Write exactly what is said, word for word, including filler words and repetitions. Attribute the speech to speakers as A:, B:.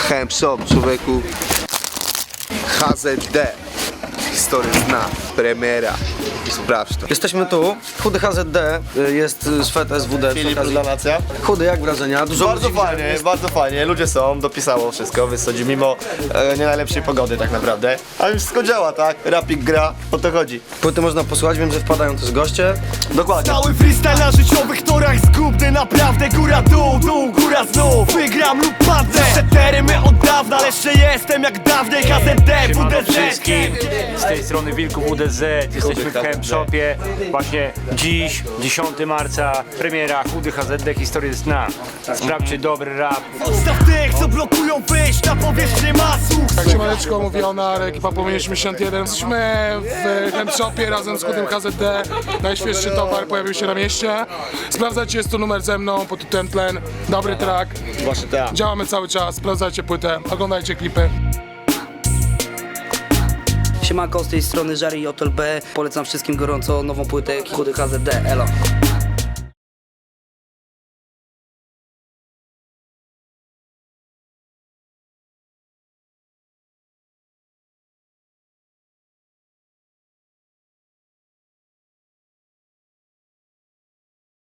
A: Hemp Shop, człowieku. H Z D. Historię zna. Premiera. Sprawdź to.
B: Jesteśmy tu, Chudy H Z D, jest Swet S W D.
C: Filip, Nacja.
B: Chudy, jak wrażenia? Dużo
C: Bardzo
B: ludzi
C: fajnie,
B: jest.
C: bardzo fajnie, ludzie są, dopisało wszystko, wysadzi mimo e, nie najlepszej pogody tak naprawdę. Ale wszystko działa, tak? Rapik gra, o to chodzi.
B: Płyty można posłuchać, wiem, że wpadają też goście.
C: Dokładnie.
D: Cały freestyle na życiowych torach zgubny, naprawdę góra dół, dół, góra znów. Wygram lub padnę, przetery my od dawna, ale jeszcze jestem jak dawniej. H Z D, W
E: Siemano
D: D Z.
E: wszystkim, z tej strony Wilków W D Z, jesteśmy w Hemp Shopie. Właśnie dziś, dziesiątego marca, premiera Chudy H Z D, historia z dna. Sprawdźcie dobry rap.
D: Odstaw tych, co blokują wyjść na powierzchnię masu.
F: Tak się maleczko mówiona, ekipa Płomienie osiemdziesiąt jeden. Jesteśmy w Hemp Shopie razem z Chudym H Z D. Najświeższy towar pojawił się na mieście. Sprawdzajcie, jest tu numer ze mną pod tytułem Tlen. Dobry track.
C: Właśnie tak.
F: Działamy cały czas, sprawdzajcie płytę, oglądajcie klipy.
G: Siemanko, z tej strony Żary i Otel B. Polecam wszystkim gorąco nową płytę Chudy H Z D. Elo.